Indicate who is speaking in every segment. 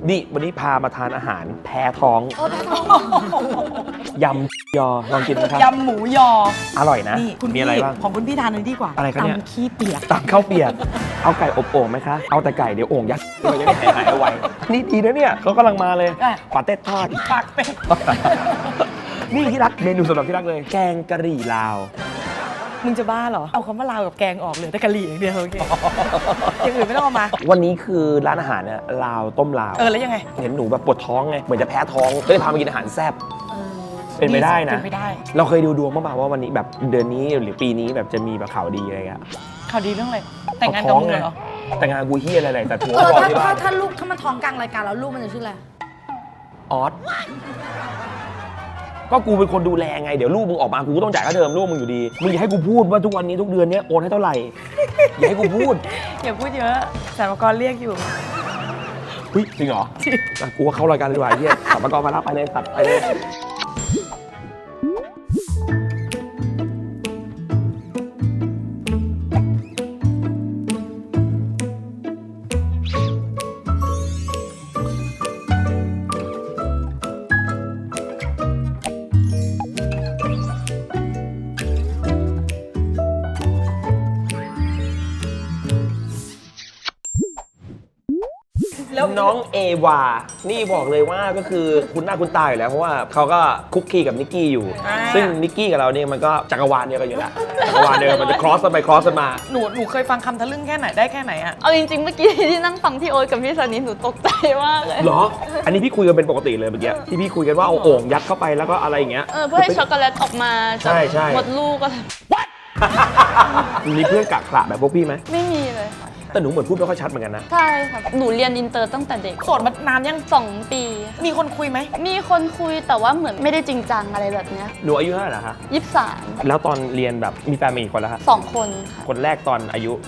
Speaker 1: นี่วันนี้พามาทานอาหารแพ้ท้องยำยอลองกินไหมครับ
Speaker 2: ยำหมูยอ
Speaker 1: อร่อยนะ
Speaker 2: นี่คุณ
Speaker 1: มีอะไรบ้าง
Speaker 2: ของคุณพี่ทานเลยดีกว่า
Speaker 1: อะไรครับเนี่ย
Speaker 2: ตำขี้เปียก
Speaker 1: ตำข้าวเปียกเอาไก่อบโอ่งไหมคะเอาแต่ไก่เดี๋ยวโอ่งยัดมันจะได้หายเอาไว้นี่ดีนะเนี่ยเขากำลังมาเลยปาเต้ทอด
Speaker 2: ปากเป็ด
Speaker 1: นี่ที่รักเมนูสำหรับที่รักเลยแกงกะหรี่ลาว
Speaker 2: มึงจะบ้าเหรอเอาคำว่าลาวกับแกงออกเลยแต่กะหรี่อย่างเดียวโอเคอย่างอื่นไม่ต้องเอามา
Speaker 1: วันนี้คือร้านอาหารเนี่ยลาวต้มลาว
Speaker 2: แล้วยังไง
Speaker 1: เห็นหนูแบบปวดท้องไงเหมือนจะแพ้ท้องก็เลยพามากินอาหารแซ่บเป็นไปได้นะ
Speaker 2: เป็นไปได้
Speaker 1: เราเคยดูดวงมาบ้างว่าวันนี้แบบเดือนนี้หรือปีนี้แบบจะมีแบบข่าวดีอะไรเงี้ย
Speaker 2: ข่าวดีเรื่องอะไรแต่งงานกับมึงเหรอ
Speaker 1: แต่งงานกูเฮียอะไรแต่ถัว
Speaker 3: เออ
Speaker 1: รอที่บ้าน
Speaker 3: ถ้าลูกถ้ามันท้องกลางรายการแล้วลูกมันจะชื่ออะไร
Speaker 1: ออสก็กูเป็นคนดูแลไงเดี๋ยวลูกมึงออกมากูก็ต้องจ่ายค่าเทอมลูกมึงอยู่ดีมึงอย่าให้กูพูดว่าทุกวันนี้ทุกเดือนเนี้ยโอนให้เท่าไหร่อย่าให้กูพูด
Speaker 2: อย่าพูดเยอะสรรพากรเรียกอยู่
Speaker 1: เฮ้ยจริงเหรออ่ะกูว่าเข้ารายการเลยดีกว่าเฮียสรรพากรมารับไปเลยสัตว์ไปเลยแล้วน้องเอวานี่บอกเลยว่าก็คือคุณหน้าคุณตาอยู่แล้วเพราะว่าเขาก็คุกคีกับนิกกี้อยู่ซึ่งนิกกี้กับเราเนี่ยมันก็จักรวาลเดียวกันอยู่แล้วจักรวาลเดียวกันมันจะครอสกันไปครอสกันมา
Speaker 2: หนูเคยฟังคำทะลึ่งแค่ไหนได้แค่ไหนอะ
Speaker 4: เอาจริงๆเมื่อกี้ที่นั่งฟังพี่โอ๊ตกับพี่สานิทหนูตกใจมากเลย
Speaker 1: เหรออันนี้พี่คุยกันเป็นปกติเลยเมื่อกี้ที่พี่คุยกันว่าเอาโอ่งยัดเข้าไปแล้วก็อะไรอย่างเงี้ย
Speaker 4: เพื่อให้ช็อกโกแลตออกมาจากมดลูกอะไร
Speaker 1: มีเพื่อนกักขระแบบพวกพี่ไหม
Speaker 4: ไม่มีเลยค่ะ
Speaker 1: แต่หนูเหมือนพูดไม่ค่อยชัดเหมือนกันนะ
Speaker 4: ใช่ค่ะหนูเรียนอินเตอร์ตั้งแต่เด็ก
Speaker 2: โสดมานานยัง
Speaker 4: 2 ปี
Speaker 2: มีคนคุยไหม
Speaker 4: มีคนคุยแต่ว่าเหมือนไม่ได้จริงจังอะไรแบบเนี้ย
Speaker 1: หนูอายุเท่าไหร่ล่ะคะ
Speaker 4: 23
Speaker 1: แล้วตอนเรียนแบบมีแฟนมากี่คนแล้วคะ
Speaker 4: 2 คนค่ะ
Speaker 1: คนแรกตอนอายุ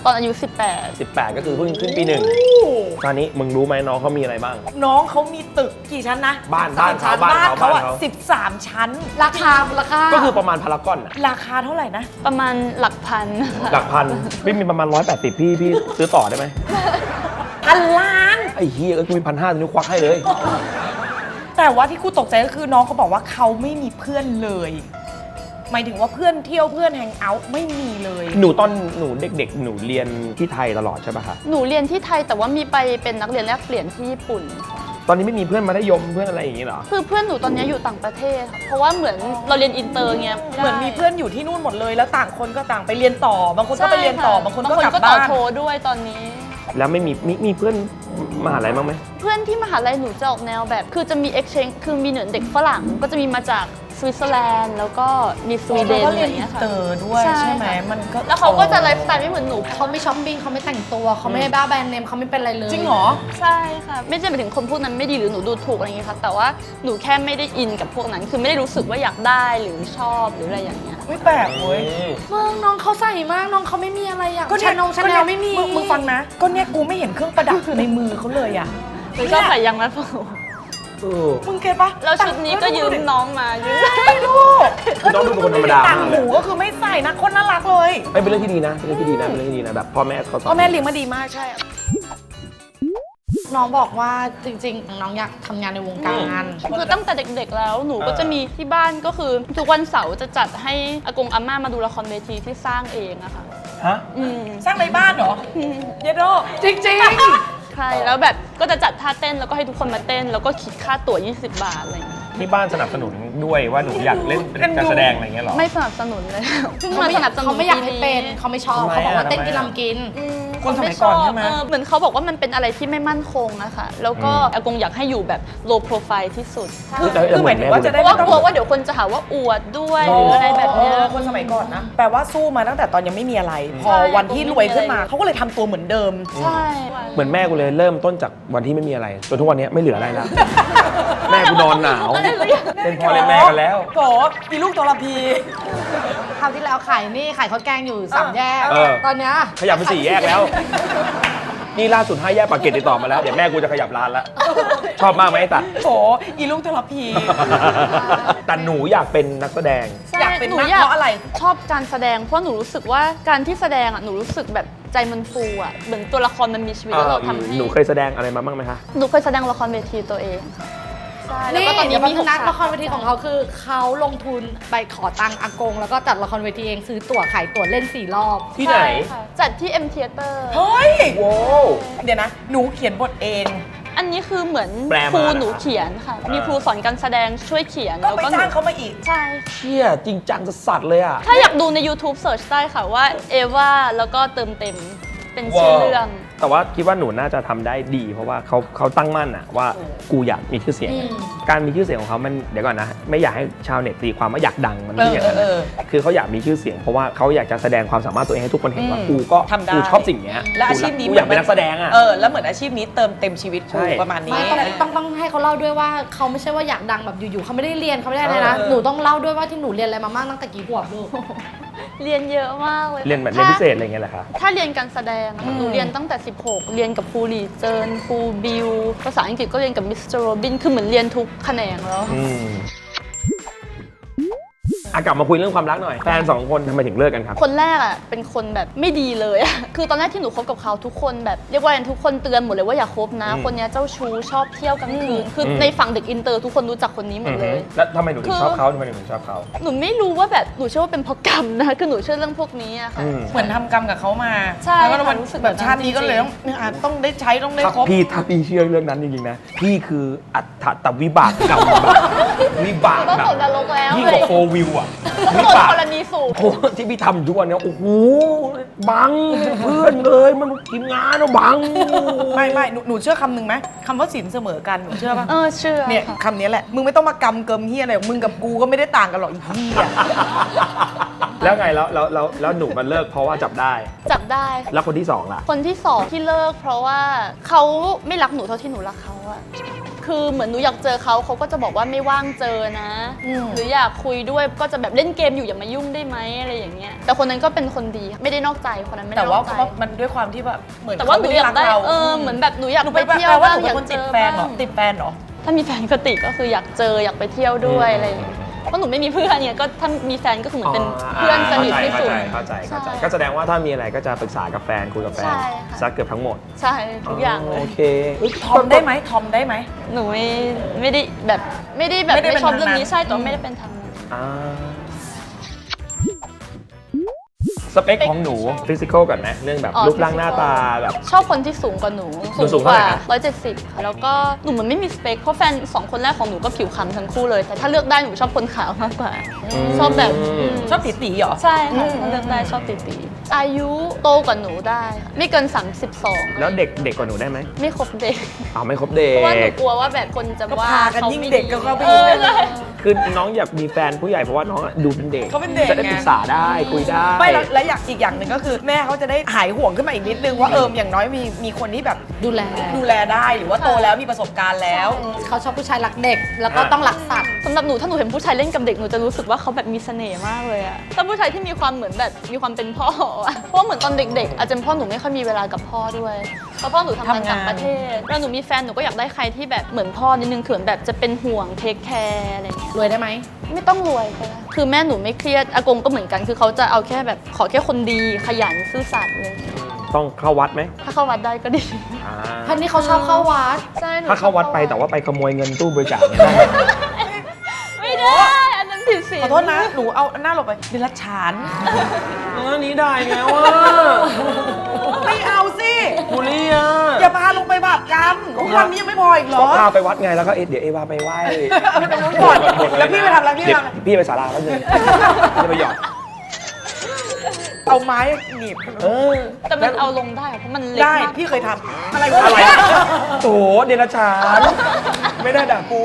Speaker 1: 18ก็คือเพิ่งขึ้นปี1ตอนนี้มึงรู้ไหมน้องเขามีอะไรบ้าง
Speaker 2: น้องเขามีตึกกี่ชั้นนะ
Speaker 1: บ้านเขา
Speaker 2: อะ13 ชั้น
Speaker 3: ราคา
Speaker 1: ก็คือประมาณพารากอนอะ
Speaker 2: ราคาเท่าไหร่นะ
Speaker 4: ประมาณหลักพัน
Speaker 1: หลักพันพี่มีประมาณ180พี่ซื้อต่อได้ไหม
Speaker 2: 1,000,000,000
Speaker 1: ไอ้เฮียกูมี1,500นิ้วควักให้เลย
Speaker 2: แต่ว่าที่กูตกใจก็คือน้องเขาบอกว่าเขาไม่มีเพื่อนเลยหมายถึงว่าเพื่อนเที่ยวเพื่อนแฮงเอาท์ไม่มีเลย
Speaker 1: หนูตอนหนูเด็กๆหนูเรียนที่ไทยตลอดใช่ป่ะคะ
Speaker 4: หนูเรียนที่ไทยแต่ว่ามีไปเป็นนักเรียนแลกเปลี่ยนที่ญี่ปุ่นค่ะ
Speaker 1: ตอนนี้ไม่มีเพื่อนมัธยมเพื่อนอะไรอย่างงี้เหรอ
Speaker 4: คือเพื่อนหนูตอนนี้อยู่ต่างประเทศค่ะเพราะว่าเหมือนเราเรียนอินเตอร์เงี้ย
Speaker 2: เหมือนมีเพื่อนอยู่ที่นู่นหมดเลยแล้วต่างคนก็ต่างไปเรียนต่อบางคนก็ไปเรียนต่อบางคนก็กลับบ้าน
Speaker 4: ต่อโทด้วยตอนนี้
Speaker 1: แล้วไม่มีเพื่อนมหาลัยบ้างไหม
Speaker 4: เพื่อนที่มหาลัยหนูจะออกแนวแบบคือจะมี exchange คือมีเหนือเด็กฝรั่งก็จะมีมาจากสวิตเซอร์แลนด์แล้วก็มีสวีเดนอะไรอย่างเงี้ยค่ะ
Speaker 2: เตอร์ด้วยใช่ไหมมันก็
Speaker 4: แล้วเขาก็จะไลฟ์สไตล์ไม่เหมือนหนู
Speaker 3: เขาไม่ช้อปปิ้งเขาไม่แต่งตัวเขาไม่บ้าแบรนด์เนมเขาไม่เป็นอะไรเลย
Speaker 2: จริงเหรอ
Speaker 4: ใช่ค่ะไม่ใช่หมายถึงคนพวกนั้นไม่ดีหรือหนูดูถูกอะไรอย่างเงี้ยค่ะแต่ว่าหนูแค่ไม่ได้อินกับพวกนั้นคือไม่ได้รู้สึกว่าอยากได้หรือชอบหรืออะไรอย่างเงี้ย
Speaker 2: ไม่แปลกเว้ย
Speaker 3: น้องเขาใส่มากน้องเขาไม่มีอะไรอย่าง
Speaker 2: ก็
Speaker 3: ชาแนลไม่มี
Speaker 2: มึงฟังนะก็เนี่ยกูไม่เห็นเครื่องประดับในมือเขาเลยอ่ะ
Speaker 4: หนูชอบใส่ยางรัดผม
Speaker 2: มึงเก็ตปะ
Speaker 4: แล้วชุดนี้ก็ยืมน้องมายืม
Speaker 2: ไม่รู้
Speaker 1: น้องดูเป็นคนธรรมดา
Speaker 2: ต่างหูก็คือไม่ใส่นะคนน่ารักเลย
Speaker 1: เป็นเรื่องที่ดีนะเป็นเรื่องที่ดีนะแบบพ่อแม่เขาสอน
Speaker 2: พ่อแม่เลี้ยงมาดีมากใช่
Speaker 3: น้องบอกว่าจริงๆน้องอยากทำงานในวงการ
Speaker 4: คือตั้งแต่เด็กๆแล้วหนูก็จะมีที่บ้านก็คือทุกวันเสาร์จะจัดให้อากงอาม่ามาดูละครเวทีที่สร้างเองอะค่ะ
Speaker 1: ฮะ
Speaker 2: สร้างในบ้านเหรอเยโด
Speaker 3: จริง
Speaker 4: ใช่แล้วแบบก็จะจัดท่าเต้นแล้วก็ให้ทุกคนมาเต้นแล้วก็คิดค่าตั๋ว20 บาทอะไรอย่างเงี้ย
Speaker 1: ที่บ้านสนับสนุนด้วยว่าหนูอยากเล่นเป็นการแสดงอะไรเงี้ยหรอ
Speaker 4: ไม่สนับสนุนเลยเพิ่งมาสนับสนุน
Speaker 3: เขาไม่อยากให้เป็นเขาไม่ชอบเขาบอกว่าเต้นกินลำกิน
Speaker 2: คนสมัยก่อนใช่ไหม
Speaker 4: เหมือนเขาบอกว่ามันเป็นอะไรที่ไม่มั่นคงอะค่ะแล้วก็อากงอยากให้อยู่แบบ low profile ที่สุด
Speaker 2: คือหมายถึงว่าจะได้
Speaker 4: ว่ากลัวว่าเดี๋ยวคนจะหาว่าอวดด้วยหรืออะไรแบบนี้
Speaker 2: คนสมัยก่อนนะแปลว่าสู้มาตั้งแต่ตอนยังไม่มีอะไรพอวันที่รวยขึ้นมาเขาก็เลยทำตัวเหมือนเดิม
Speaker 4: ใช่
Speaker 1: เหมือนแม่กูเลยเริ่มต้นจากวันที่ไม่มีอะไรจนทุกวันนี้ไม่เหลืออะไรแล้วแม่กูนอนหนาวเป็นพ่อเล่นแม่กันแล้ว
Speaker 2: โกอีลูกทรพี
Speaker 3: คราวที่แล้วขายข้าวแกงอยู่3 แยกตอนเนี้ย
Speaker 1: ขยับไป4 แยกแล้วนี่ล่าสุด5 แยกปากเกร็ดติดต่อมาแล้วเดี๋ยวแม่กูจะขยับร้านแล้วชอบมากไหมไอ้ตัด
Speaker 2: โอ้อีลูกทรพี
Speaker 1: แต่หนูอยากเป็นนักแสดง
Speaker 4: อยาก
Speaker 2: เป็น
Speaker 4: หนู
Speaker 2: นัก
Speaker 4: อยาก
Speaker 2: เพราะอะไร
Speaker 4: ชอบการแสดงเพราะหนูรู้สึกว่าการที่แสดงอ่ะหนูรู้สึกแบบใจมันฟูอ่ะเหมือนตัวละครมันมีชีวิตแล้วเราทำให้
Speaker 1: หนูเคยแสดงอะไรมาบ้างไหมคะ
Speaker 4: หนูเคยแสดงละครเวทีตัวเองค่ะใช่แล้ว
Speaker 3: นี่
Speaker 4: ก็ตอน
Speaker 3: เดี๋
Speaker 4: นี้
Speaker 3: ยว
Speaker 4: มี
Speaker 3: พัฒ
Speaker 4: 6
Speaker 3: นาละครเวทีของเขาคือเขาลงทุนไปขอตังค์อากง แล้วก็จัดละครเวทีเองซื้อตั๋วขายตั๋วเล่น4 รอบ
Speaker 1: ที่ไหน
Speaker 4: ใช่ค่ะจัดที่ M Theater
Speaker 2: เฮ้ย
Speaker 1: โว้ว
Speaker 2: เดี๋ยวนะ หนูเขียนบทเอง
Speaker 4: อันนี้คือเหมือน
Speaker 1: แปลมา
Speaker 4: ครู
Speaker 1: เหรอ
Speaker 4: หนูเขียนค่ะ มีครูสอนการแสดงช่วยเขียน
Speaker 2: ก็ไป
Speaker 4: หนู
Speaker 2: จ้างเขามาอีก
Speaker 4: ใช่
Speaker 1: เชี่ยจริงจังสัสๆเลยอ่ะ
Speaker 4: ถ้าอยากดูใน YouTube Search ได้ค่ะว่าเอวาแล้วก็เติมเต็มเป็นชื่อเรื่อง
Speaker 1: แต่ว่าคิดว่าหนูน่าจะทำได้ดี เพราะว่าเขาตั้งมั่นอะว่ากูอยากมีชื่อเสียง การมีชื่อเสียงของเขามันเดี๋ยวก่อนนะ ไม่อยากให้ชาวเน็ตตีความว่าอยากดังมันไม่ใช่อย่างนั้น
Speaker 2: เออ
Speaker 1: นะคือเขาอยากมีชื่อเสียงเพราะว่าเขาอยากจะแสดงความสามารถตัวเองให้ทุกคนเห็นว่า
Speaker 2: อืม
Speaker 1: กูก็
Speaker 2: ทำได้
Speaker 1: กูชอบสิ่งเนี้ย
Speaker 2: และอาชีพนี้
Speaker 1: กูอยากเป็นนักแสดงอะ
Speaker 2: แล้วเหมือนอาชีพนี้เติมเต็มชีวิต
Speaker 1: ใช่
Speaker 2: กูประมาณนี้
Speaker 3: ไม่ต้องให้เขาเล่าด้วยว่าเขาไม่ใช่ว่าอยากดังแบบอยู่ๆเขาไม่ได้เรียนเขาไม่ได้อะไรนะ หนูต้องเล่าด้วยว่าที่หนูเรียนอะไรมาบ้างตั้งแต่กี่ขวบลูก
Speaker 4: เรียนเยอะมากเลย
Speaker 1: เรียนแบบเรียนพิเศษอะไรเงี้ยแหละคะ
Speaker 4: ถ้าเรียนการแสดงอะหนูเรียนตั้งแต่ 16 เรียนกับครูหลีเจินครูบิวภาษาอังกฤษก็เรียนกับมิสเตอร์โรบินคือเหมือนเรียนทุกแขนงแล้ว
Speaker 1: กลับมาคุยเรื่องความรักหน่อย แฟนสองคนทำไมถึงเลิกกันครับ
Speaker 4: คนแรกอ่ะเป็นคนแบบไม่ดีเลยอะ คือตอนแรกที่หนูคบกับเขาทุกคนแบบเรียกว่าทุกคนเตือนหมดเลยว่าอย่าคบนะ คนเนี้ยเจ้าชู้ชอบเที่ยวกลางคืนคือในฝั่งเด็กอินเตอร์ทุกคนรู้จักคนนี้หมดเลย
Speaker 1: แล้วทำไมหนูถึงชอบเขาทำไมหนูถึงชอบเขา
Speaker 4: หนูไม่รู้ว่าแบบหนูเชื่อว่าเป็นเพราะกรรมนะ คือหนูเชื่อเรื่องพวกนี้อะค่ะ
Speaker 2: เหมือนทำกรรมกับเขามา
Speaker 4: ใช่
Speaker 2: แล้วก็
Speaker 4: ค่ะ
Speaker 2: มัน
Speaker 4: รู้สึก
Speaker 2: แบบชาตินี้ก็เลย
Speaker 4: แบบ
Speaker 2: ต้องได้ใช้ต้องได้ครบ
Speaker 1: ถ้าพี่เชื่อเรื่องนั้นจริงๆนะ พี่คืออัตถวิบากกรรมแบบวิบาก
Speaker 4: ก็
Speaker 1: แบบ
Speaker 4: ตกนรกแล้ว
Speaker 1: ยิ่ง
Speaker 4: เล
Speaker 1: ก
Speaker 4: ย
Speaker 1: ว่าโฟวิวอ่ะ
Speaker 4: ก็
Speaker 1: วิ
Speaker 4: โดน
Speaker 1: บาก
Speaker 4: กรณีสูง
Speaker 1: โอ้ที่พี่ทำทุกวันเนี้ยโอ้โหบังเพื่อนเลยมันทีมงานอะบัง
Speaker 2: ไม่หนูเชื่อคำหนึ่งไหมคำว่าสินเสมอกันหนูเชื่อปะ
Speaker 4: เชื่อ
Speaker 2: เนี่ย
Speaker 4: ค่ะ
Speaker 2: คำนี้แหละ มึงไม่ต้องมากำเกิมเฮียอะไรหรอกมึงกับกูก็ไม่ได้ต่างกันหรอกอีเฮีย
Speaker 1: แล้วไงแล้วหนูมันเลิกเพราะว่าจับได้
Speaker 4: จับได้
Speaker 1: แล้วคนที่สองล่ะ
Speaker 4: คนที่สองที่เลิกเพราะว่าเขาไม่รักหนูเท่าที่หนูรักเขาอะคือเหมือนหนูอยากเจอเขาเขาก็จะบอกว่าไม่ว่างเจอนะ หรืออยากคุยด้วยก็จะแบบเล่นเกมอยู่อย่ามายุ่งได้ไหมอะไรอย่างเงี้ย แต่คนนั้นก็เป็นคนดีไม่ได้นอกใจคนนั้นไม่ได้
Speaker 2: แต่
Speaker 4: น
Speaker 2: ว่า
Speaker 4: อกใจ
Speaker 2: มันด้วยความที่แบบเหมือน
Speaker 4: แต่ว่าหนูอยากได้
Speaker 2: เข
Speaker 4: เหมือนแบบหนูอยาก
Speaker 2: หนู
Speaker 4: ไป
Speaker 2: ไป
Speaker 4: เที่ยว
Speaker 2: แปลว่า
Speaker 4: บ้าง
Speaker 2: หนู
Speaker 4: อ
Speaker 2: เป็
Speaker 4: ยาน ก
Speaker 2: คน
Speaker 4: เจ
Speaker 2: ติด
Speaker 4: อ
Speaker 2: แฟนเหรอ
Speaker 4: บ้าง
Speaker 2: ติดแฟนเหรอ
Speaker 4: ถ้ามีแฟนก็ติดก็คืออยากเจออยากไปเที่ยวด้วยอะไรอย่างเงี้ยเพราะหนูไม่มีเพื่อนเนี่ยก็ถ้ามีแฟนก็คือเหมือนเป็นเพื่อนสนิทที่สุด
Speaker 1: เข้าใจ
Speaker 4: ใช่
Speaker 1: ก็แสดงว่าถ้ามีอะไรก็จะปรึกษากับแฟนคุยกับแฟน
Speaker 4: ใช่ค่ะ
Speaker 1: ซักเกือบทั้งหมด
Speaker 4: ใช่ทุกอย่างเลย
Speaker 1: โอเค
Speaker 2: ทอมได้ไหมทอมได้ไหม
Speaker 4: หนูไม่ได้แบบไม่ได้แบบ
Speaker 2: ไม่ได้เป็น
Speaker 4: ไม่ชอบเรื่องนี้
Speaker 2: ทางนั้น
Speaker 4: ใช่แต่ว่าไม่ได้เป็นทางนั้น
Speaker 1: อ่าสเปคของหนูฟิสิกอลก่อนนะเรื่องแบบรูปร่างหน้าตาแบบ
Speaker 4: ชอบคนที่สูงกว่าหนู
Speaker 1: หนูสูงเท่าไหร่นะ
Speaker 4: 170ค่ะแล้วก็หนูเหมือนไม่มีสเปคเพราะแฟนสองคนแรกของหนูก็ผิวคล้ำทั้งคู่เลย แต่ถ้าเลือกได้หนูชอบคนขาวมากกว่า ชอบแบบ
Speaker 2: ชอบตีเหรอ
Speaker 4: ใช่ค่ะถ้าเลือกได้ชอบตีอายุโตกว่าหนูได้ค่ะไม่เกิน 32
Speaker 1: แล้วเด็กกว่าหนูได้ไหม
Speaker 4: ไม่ครบเด็ก
Speaker 1: ไม่ครบเด็
Speaker 4: เพราะว่าหนู
Speaker 1: ก
Speaker 4: กลัวว่าแบบคนจะ
Speaker 2: ก็
Speaker 4: ว่า
Speaker 2: พากันยิ่งเด็กก็เข้าไป
Speaker 4: เอ
Speaker 2: อีก
Speaker 4: อใช่
Speaker 1: คือน้องอยากมีแฟนผู้ใหญ่เพราะว่าน้องอะดูเป็นเด็ก
Speaker 2: เขาเป็นเด็ก
Speaker 1: จะได้
Speaker 2: ไง
Speaker 1: ปรึกษาได้คุยได้
Speaker 2: ไม่แล้วอีกอย่างหนึ่งก็คือแม่เขาจะได้หายห่วงขึ้นมาอีกนิดนึงว่าอย่างน้อยมีคนที่แบบ
Speaker 3: ดูแล
Speaker 2: ดูแลได้หรือว่าโตแล้วมีประสบการณ์แล้ว
Speaker 3: เขาชอบผู้ชายรักเด็ก แล้วก็ต้องรักสัตว์
Speaker 4: สำหรับหนูถ้าหนูเห็นผู้ชายเล่นกับเด็กหนูจะรู้สึกว่าเขาแบบมีเสน่ห์มากเลยอะถ้าผู้ชายที่มีความเหมือนแบบมีความเป็นพ่ออะเพราะเหมือนตอนเด็กๆอาจจะเป็นเพ่อหนูไม่ค่อยมีเวลากับพ่อด้วยเพราะพ่อหนูทำงานต่างประเทศแล้วหนูมีแฟนหนูก็อยากได้ใครที่แบบเหมือนพ่อนิดนึงคือแบบจะเป็นห่วงเทคแคร์อะไรอย่างเงี้ย
Speaker 3: รวยได้ไหม
Speaker 4: ไม่ต้องรวยก็ได้คือแม่หนูไม่เครียดอากงก็เหมือนกันคือเขาจะเอาแค่แบบขอแค่คนดีขยันซื่อสัตย์เลย
Speaker 1: ต้องเข้าวัดไหม
Speaker 4: ถ้าเข้าวัดได้ก็ดี
Speaker 1: อ่า
Speaker 3: ท่านนี้เขาชอบเข้าวัด
Speaker 4: ใช่หนู
Speaker 1: ถ้าเข้าวัดไปแต่ว่าไปขโมยเงินตู้บริจาคเนี่ยได้ไหม
Speaker 4: ไม่ได้อันนั้นผิดศีล
Speaker 2: ขอโทษนะ หนูเอาหน้าหลบไปเดรัจฉาน
Speaker 1: อันนี้ได้ไงวะ
Speaker 2: ไม่เอาสิ
Speaker 1: บุรีอ่ะ
Speaker 2: อย่าพาลงไปบาปกรรมทุกวันนี้ยังไม่พออีกเหร
Speaker 1: ก็
Speaker 2: อ
Speaker 1: พาไปวัดไงแล้วก็เดี๋ยวเอวาไปไหว้
Speaker 2: เอาไปตรงนู้นก่อนแล้วพี่ไปทำอะไรพี่ไปทำอะไร
Speaker 1: พี่ไปศาลาแป๊บนึงจะไปหยอด
Speaker 2: เอาไม้หนีบ
Speaker 4: แต่มันเอาลงได้เพราะมันเล็ก
Speaker 2: ได้
Speaker 4: มาก
Speaker 2: พี่เคยทำอะไรวะ
Speaker 1: อะไรโถเดรัจฉานไม่ได้ด่ากู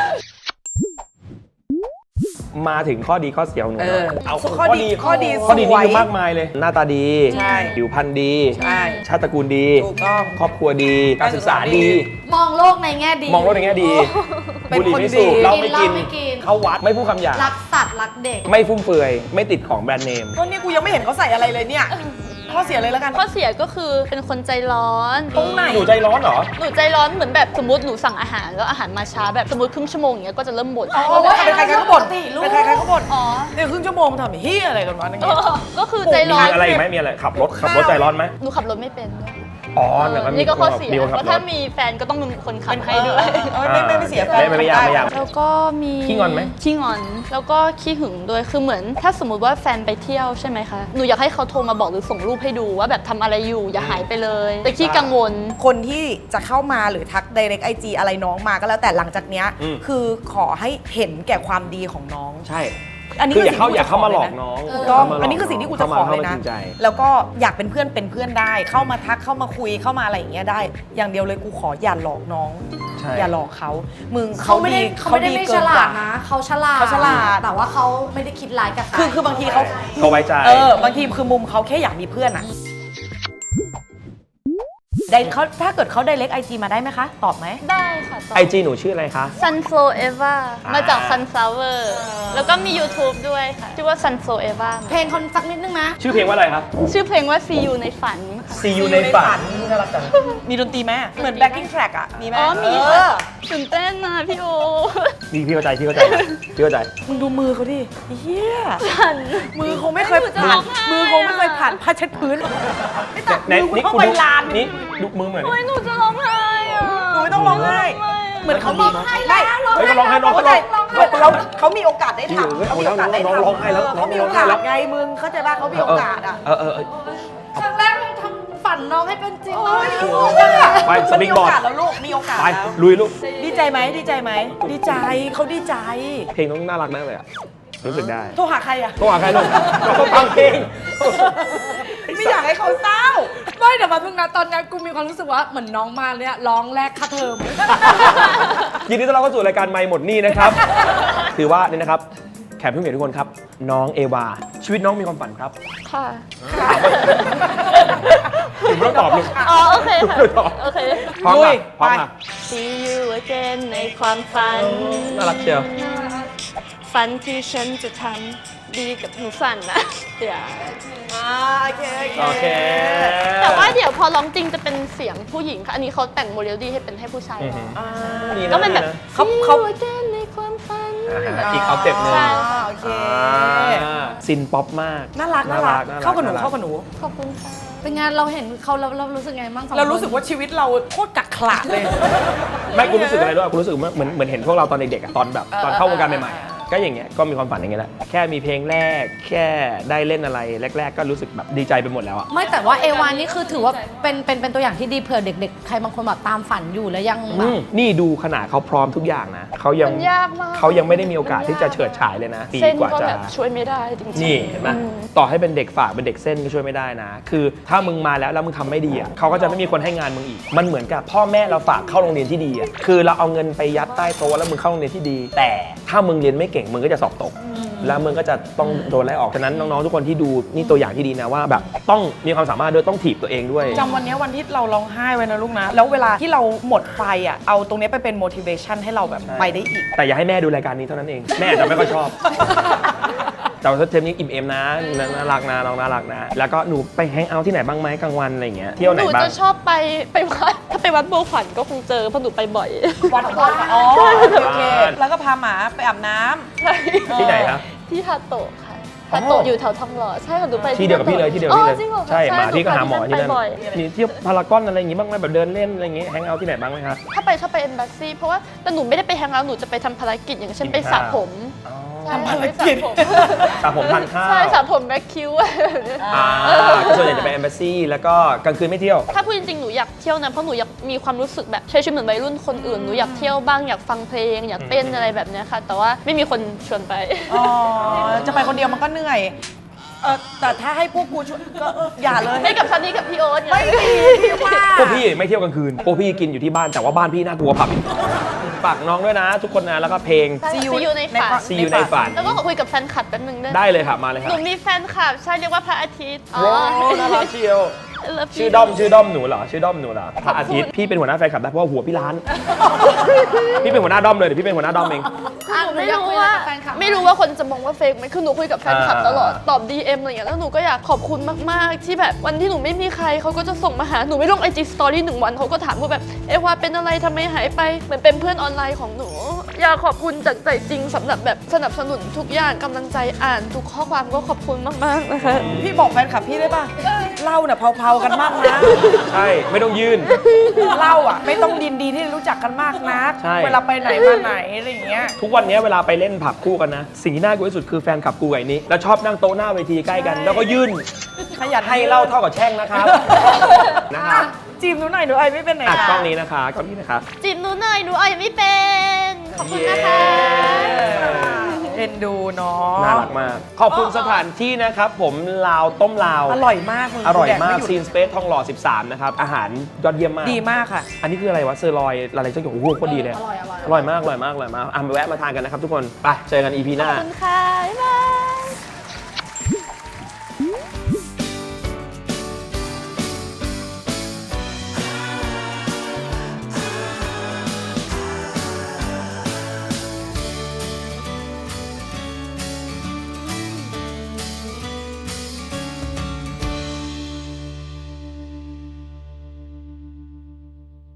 Speaker 1: มาถึงข้อดีข้อเสียของหนูหน่อยเอา
Speaker 2: ข้อดี
Speaker 1: ข้อดี
Speaker 2: ส
Speaker 1: นี่
Speaker 2: วย
Speaker 1: คือมากมายเลย หน้าตาดี
Speaker 2: ใช่
Speaker 1: ผิวพรรณดี
Speaker 2: ใช่
Speaker 1: ชาติตระกูลดี
Speaker 2: ถูกต้อง
Speaker 1: ครอบครัวดี การศึกษาดี
Speaker 3: มองโลกในแง่ดี
Speaker 1: มองโลกในแง่ดี
Speaker 2: เป็น
Speaker 1: บุหรี่
Speaker 2: คน
Speaker 1: ไม่สูบ
Speaker 2: ดี
Speaker 1: เหล้าไม่กิน
Speaker 3: เหล้าไม่กิน
Speaker 1: เข้าวัดไม่พูดคำหยาบ
Speaker 3: รักสัตว์รักเด็ก
Speaker 1: ไม่ฟุ่มเฟือย ไม่ติดของแบรนด์เนม
Speaker 2: ก็นี่กูยังไม่เห็นเขาใส่อะไรเลยเนี่ยข้อเสียเลยแล้วกัน
Speaker 4: ข้อเสียก็คือเป็นคนใจร้อน
Speaker 2: ตรงไหน
Speaker 1: หนูใจร้อนเหรอ
Speaker 4: หนูใจร้อนเหมือนแบบสมมติหนูสั่งอาหารแล้วอาหารมาช้าแบบสมมติครึ่งชั่วโมงอย่างเงี้ยก็จะเริ่มบ่น
Speaker 2: อ๋อเป็นใครๆก็บ่น
Speaker 3: ปกติลูก
Speaker 2: เป็นใครๆก็บ่น
Speaker 4: อ๋อ
Speaker 2: เนี่ยครึ่งชั่วโมงทำเฮียอะไรกันวะนั่นไง
Speaker 4: ก็คือใจร้อ
Speaker 1: มี
Speaker 4: น
Speaker 1: อะไรอีกไหมมีอะไรขับรถใจร้อนไหม
Speaker 4: หนูขับรถไม่เป็นด้วย
Speaker 1: อ๋อแต่ว่ามี
Speaker 4: นี่ก็ข้อเสีย
Speaker 1: มีคนขับ
Speaker 4: เพราะ
Speaker 1: ร
Speaker 4: ถ้า
Speaker 1: ถ
Speaker 4: มีแฟนก็ต้องเป็นคนขับให้ด้วย
Speaker 2: ไม่เสียแฟน
Speaker 1: ไม่ยากไม่ยาก
Speaker 4: แล้วก็มี
Speaker 1: ขี้งอนไหม
Speaker 4: ขี้งอน แล้วก็ขี้หึงด้วย คือเหมือนถ้าสมมติว่าแฟนไปเที่ยวใช่ไหมคะ หนูอยากให้เขาโทรมาบอกหรือส่งรูปให้ดูว่าแบบทำอะไรอยู่อย่าหายไปเลย แต่ขี้กังวล
Speaker 2: คนที่จะเข้ามาหรือทัก direct IG อะไรน้องมาก็แล้วแต่หลังจากเนี้ย
Speaker 1: อืม
Speaker 2: คือขอให้เห็นแก่ความดีของน้อง
Speaker 1: ใช่
Speaker 2: อันนี้
Speaker 1: คือ
Speaker 2: คือ
Speaker 1: อย่าเข้ามาหลอก
Speaker 2: สิ่งที่
Speaker 1: น้อง
Speaker 2: ถูกต้อง
Speaker 1: เข้ามาหลก
Speaker 2: อันนี้คือสิ่งที่กูจะขอเลยนะ
Speaker 1: ข้ามาจริงใจ
Speaker 2: แล้วก็อยากเป็นเพื่อนได้ เข้ามาทักเข้ามาคุยเข้ามาอะไรอย่างเงี้ยได้ อย่างเดียวเลยกูขออย่าหลอกน้อง
Speaker 1: ใช่
Speaker 2: อย่าหลอกเขามึง
Speaker 3: เขาไม่ได้ไม่
Speaker 2: เกิ
Speaker 3: ฉ
Speaker 2: น
Speaker 3: ลาก
Speaker 2: ว่า
Speaker 3: ดนะเขาฉลาด
Speaker 2: เขาฉลาด
Speaker 3: แต่ว่าเขาไม่ได้คิดร้ายกับใคร
Speaker 2: คือบางทีเขา
Speaker 1: เขาไว้ใจ
Speaker 2: บางทีคือมุมเขาแค่อยากมีเพื่อนอะได้เขาถ้าเกิดเขา direct IG มาได้ไหมคะ ตอบไหม
Speaker 4: ได้ค่ะตอน
Speaker 1: ไอจีหนูชื่ออะไรคะ
Speaker 4: Sunflow Eva มาจาก Sunflower แล้วก็มี YouTube ด้วยค่ะ ชื่อว่า Sunflow Eva
Speaker 3: เพลงคนสักนิดนึงนะ
Speaker 1: ชื่อเพลงว่าอะไรครับ
Speaker 4: ชื่อเพลงว่า See You ในฝันค่ะ
Speaker 1: See You ในฝัน
Speaker 2: น่ารักจังมีดนตรีไหมเหมือน backing track อะมีไหม
Speaker 4: อ๋อมี
Speaker 2: เอ
Speaker 4: ค่ะ
Speaker 2: อ
Speaker 4: ตื่นเต้นนะพี่โอ
Speaker 1: นี่พี่เข้าใจพี่เข้าใจ
Speaker 2: มึงดูมือเขาดิเฮีย
Speaker 4: ฉัน
Speaker 2: มือคงไม่เคยผ่านมือคงไม่เคยผ่านผ้าเช็ดพื้น
Speaker 1: ไหนนี่
Speaker 2: เข้า
Speaker 1: คุณ
Speaker 2: ไป
Speaker 1: ดู
Speaker 2: ลาน
Speaker 1: นี่ดูมือเหมือน
Speaker 4: โอ้ยหนูจะร้องไห้อะ
Speaker 2: หนูไม่ต้องร้องไห้เหมือนเขามี
Speaker 3: ได้ร้อง
Speaker 1: เฮ้ยเขาร้องไห้น้อง
Speaker 2: เข้า
Speaker 1: เขา
Speaker 2: ใจ
Speaker 1: ร้อง
Speaker 2: เขามีโอกาสได้
Speaker 1: จริงเหรอ
Speaker 2: ทำเขามีโอกาสได้
Speaker 1: น้องร้องไห้แล้ว
Speaker 2: เขามีโอกาสไงมึงเข้าใจป่ะเขามีโอกาสอ่ะ
Speaker 1: เออ
Speaker 3: ครั้งแรกเราทำฝันน้องให้เป็นจริง
Speaker 2: โอ้ย
Speaker 1: ไปสปิงบอร์ด
Speaker 2: มีโอกาสแล้วลูกมีโอกาส
Speaker 1: ไป
Speaker 2: แล้ว
Speaker 1: ลุยลูก
Speaker 2: ดีใจไหมดีใจไหมดีใจเขาดีใจ
Speaker 1: เพลงต้องน่ารักแน่เลยอะรู้สึกได้
Speaker 2: โทรหาใครอ่ะ
Speaker 1: โทรหาใครลูกเราฟังเพลง
Speaker 2: ไม่อยากให้เขาเศร้า
Speaker 3: ไม่แต่มาเพิ่งนะตอนนี้กูมีความรู้สึกว่าเหมือนน้องมาเนี่ยร้องแรกค่าเทอม
Speaker 1: ยินดีต้อนรับเข้าสู่รายการไม่หมดหนี่นะครับ ถือว่านี่นะครับแขกผู้มีเกียรติทุกคนครับ น้องเอวา ชีวิตน้องมีความฝันครับ
Speaker 4: ค่ะ
Speaker 1: หนูไม่ต้องตอบลูก
Speaker 4: อ๋อโอเคค่ะ
Speaker 1: ไม่ต้องตอบ
Speaker 4: โอเค
Speaker 1: พร้อม
Speaker 2: ลุ
Speaker 1: อ่ะ
Speaker 2: ย
Speaker 1: พร้อม
Speaker 2: ไป
Speaker 1: อ่ะ
Speaker 4: See you again ในความฝัน
Speaker 1: น่ารักเชียว
Speaker 4: ฝันที่ฉันจะทำดีกับหนูฝันนะเดี๋ยว
Speaker 2: โอเค
Speaker 1: โอเค
Speaker 4: แต่ว่าเดี๋ยวพอร้องจริงจะเป็นเสียงผู้หญิงค่ะ อันนี้เขาแต่งโมเดลดี้ให้เป็นให้ผู้ชาย
Speaker 1: อือ
Speaker 4: ร้
Speaker 1: หื
Speaker 4: อง
Speaker 1: อดีะ
Speaker 4: ก็เป็นแบบ
Speaker 1: ดีะ
Speaker 2: เขา
Speaker 4: See you again ในความฝัน
Speaker 1: อีกออฟเต็ปหนึ่ง
Speaker 4: ใช่
Speaker 2: โอเค
Speaker 1: ซินป๊อปมาก
Speaker 2: น่ารักเข้ากับหนูเข้ากับหนู
Speaker 4: ขอบคุณค่ะ
Speaker 3: เป็นไงเราเห็นเขาเรารู้สึกไงบ้างสองคน
Speaker 2: เรารู้สึกว่าชีวิตเราโคตรกักขระเลย
Speaker 1: ไม่กูรู้สึกอะไรด้วยกูรู้สึกเหมือนเห็นพวกเราตอนเด็กๆอะตอนแบบตอนเข้าวงการใหม่ๆอะก็อย่างเงี้ยก็มีความฝันอย่างเงี้ยแหละแค่มีเพลงแรกแค่ได้เล่นอะไรแรก ๆ ก็รู้สึกแบบดีใจไปหมดแล้วอะ
Speaker 3: ไม่แต่ว่าเอวานนี่คือถือว่าเป็นตัวอย่างที่ดีเผื่อเด็กๆ ใครบางคนแบบตามฝันอยู่แล้วยังแบบ
Speaker 1: นี่ดูขนาดเขาพร้อมทุกอย่างนะเขายัง
Speaker 4: มันยากมาก
Speaker 1: เขายังไม่ได้มีโอกาสที่จะเฉิดฉายเลยนะปี
Speaker 4: เส้น
Speaker 1: กว่า
Speaker 4: ก็
Speaker 1: จะ
Speaker 4: แบบช่วยไม่ได้จริงๆ
Speaker 1: นี่เห็นไหมต่อให้เป็นเด็กฝากเป็นเด็กเส้นก็ช่วยไม่ได้นะ คือถ้ามึงมาแล้วมึงทำไม่ดีอ่ะเขาก็จะไม่มีคนให้งานมึงอีก มันเหมือนกับพ่อแม่เราฝากเข้าโรงเรียนที่ดีอ่ะคือเราเอาเงินไปยัดใต้โต๊ะแล้วมึงเข้าโรงเรียนที่ดี แต่ถ้ามึงเรียนไม่เก่งมึงก็จะสอบตก แล้วมึงก็จะต้องโดนไล่ออกฉะนั้นน้องๆทุกคนที่ดูนี่ตัวอย่างที่ดีนะว่าแบบต้องมีความสามารถด้วยต้องถีบตัวเองด้วย
Speaker 2: จำวันนี้วันที่เราร้องไห้ไว้นะลูกนะ แล้วเวลาที่เราหมดไฟอ่ะ เอาตรงนี้ไปเป็น motivation ให้เราแบบไปได้อีก
Speaker 1: แต่อย่าให้แม่ดูรายการนี้เท่านั้นเอง แม่อาจจะไม่ค่อยชอบ แต่ว่าเทปนี้อิ่มเอมนะน่ารักนะน้องน่ารักนะ แล้วก็หนูไปแฮงเอาท์ที่ไหนบ้างไหมกลางวันอะไรอย่างเงี้ยเที่ยวไห
Speaker 4: ห
Speaker 1: น
Speaker 4: นู
Speaker 1: บ้าง
Speaker 4: จะชอบไปวัด ถ้าไปวัดบัวขวัญก็คงเจอเพราะหนูไปบ่อย
Speaker 2: วัดอ๋อโอเค แล้วก็พาหมาไปอาบน้ำ
Speaker 1: ที่ไหนครับ
Speaker 4: ที่ฮาโตะค่ะฮาโตะอยู่แถวทองหล่อใช่ค่ะหนูไป
Speaker 1: ที่เดียวกับพี่เลยที่เดียวกับพี่เลย
Speaker 4: อ๋อจริงเหรอ
Speaker 1: ใช่หมาพี่ก็หาหมอที่นั่น
Speaker 4: ไปบ่อย
Speaker 1: มีเที่ยวพารากอนอะไรอย่างงี้บ้างไหมแบบเดินเล่นอะไรอย่างงี้แฮงเอาท์ที่ไหนบ้างไหมครับ
Speaker 4: ถ้าไปเอมบ s ซีเพราะว่าแต่หนูไม่ได้ไปแฮงเอาท์หนูจะไปทำภารกิจอย่างเช่นไปสระผม
Speaker 2: ทำภารกิจ
Speaker 1: สระผมทานข้าว
Speaker 4: ใช่สระผมแบ็คคิวอะไรแบบเนี้ย
Speaker 1: ก็ส่วนใหญ่จะไปแอมบาซีแล้วก็กลางคืนไม่เที่ยว
Speaker 4: ถ้าพูดจริงๆหนูอยากเที่ยวนะเพราะหนูอยากมีความรู้สึกแบบใช้ชีวิตเหมือนวัยรุ่นคนอื่นหนูอยากเที่ยวบ้างอยากฟังเพลงอยากเต้นอะไรแบบเนี้ยค่ะ แต่ว่าไม่มีคนชวนไป
Speaker 2: อ๋อ จะไปคนเดียวมันก็เหนื่อย แต่ถ้าให้พวกกูช่วยก็อย่าเลย
Speaker 4: ไม่กับซันนี่กับพี่โอ๊ต
Speaker 2: ไม่มีพี่ว่า
Speaker 1: พวกพี่ไม่เที่ยวกลางคืนพวกพี่กินอยู่ที่บ้านแต่ว่าบ้านพี่น่ากลัวผับอีกฝากน้องด้วยนะ ทุกคนนะแล้วก็เพลง
Speaker 4: ซียูในฝัน
Speaker 1: See You ในฝัน
Speaker 4: แล้วก็ขอคุยกับแฟนคลับแป๊บนึงได้ไหม
Speaker 1: ได้เลยค่ะมาเลย
Speaker 4: ห
Speaker 1: ค่ะ
Speaker 4: นูมีแฟนคลับใช่เรียกว่าพระอาทิตย์
Speaker 1: โอ้น่ารักเชียว
Speaker 4: I love you
Speaker 1: ชื่อด้อมหนูเหรอชื่อด้อมหนูเหรอพระอาทิตย์พี่เป็นหัวหน้าแฟนคลับได้เพราะว่าหัวพี่ล้าน พี่เป็นหัวหน้าด้อมเลยเดี๋ยวพี่เป็นหัวหน้าด้อมเอง
Speaker 4: หนูไม่รู้ว่าคนจะมองว่าเฟกไหมคือหนูคุยกับแฟนคลับตลอดตอบ DM อะไรอย่างเงี้ยแล้วหนูก็อยากขอบคุณมากๆที่แบบวันที่หนูไม่มีใครเขาก็จะส่งมาหาหนูไม่ลง IG Story 1 วันเขาก็ถามว่าแบบเอวาเป็นอะไรทำไมหายไปเหมือนเป็นเพื่อนออนไลน์ของหนูอยากขอบคุณจากใจจริงสำหรับแบบสนับสนุนทุกอย่างกำลังใจอ่านทุกข้อความก็ขอบคุณมากๆนะคะ
Speaker 2: พี่บอกแฟนคลับพี่ได้ป่ะเล่าเนี่ยเผาๆกันมากนะ
Speaker 1: ใช่ไม่ต้องยื่น
Speaker 2: เล่าอ่ะไม่ต้องดินดีที่รู้จักกันมากนัก
Speaker 1: ใช่
Speaker 2: เวลาไปไหนมาไหนอะไรอย่างเงี้ย
Speaker 1: ทุกวันนี้เวลาไปเล่นผับคู่กันนะสิ่งที่น่ากลัวที่สุดคือแฟนคลับกูกับไอ้นี้แล้วชอบนั่งโต๊ะหน้าเวทีใกล้กัน แล้วก็ยื่น
Speaker 2: ขยัน
Speaker 1: ให้เหล่าเท่ากับแช่งนะครับนะครับ
Speaker 2: จีบหนูหน่อยหนูไอไม่เป็นไหน
Speaker 1: อ่ะ
Speaker 2: ค่ะ
Speaker 1: กล้องนี้นะคะกล้องนี้นะคะ
Speaker 4: จีบหนูหน่อยหนูอ่อยไม่เป็นขอบคุณนะคะ
Speaker 2: เอ็นดูเนาะ
Speaker 1: น่ารักมาก ขอบคุณสถานที่นะครับ ผมลาวต้มลาว
Speaker 2: อร่อยมากมึง
Speaker 1: อร่อยมาก
Speaker 2: แดไห
Speaker 1: ซี
Speaker 2: ยุ
Speaker 1: น
Speaker 2: ด
Speaker 1: สเปซทองหล่อ 13 นะครับ อาหารยอดเยี่ยมมาก
Speaker 2: ดีมากค่ะ
Speaker 1: อันนี้คืออะไรวะเซอร์ลอยอะไรสักอย่างโอ้โหโคตรดีเลย
Speaker 3: อร่อย
Speaker 1: อร่อยมากอ่ะมาแวะมาทานกันนะครับทุกคน ไป เจอกัน EP ห
Speaker 4: ข
Speaker 1: น้า
Speaker 4: อบคุณค่ะบ๊ายบาย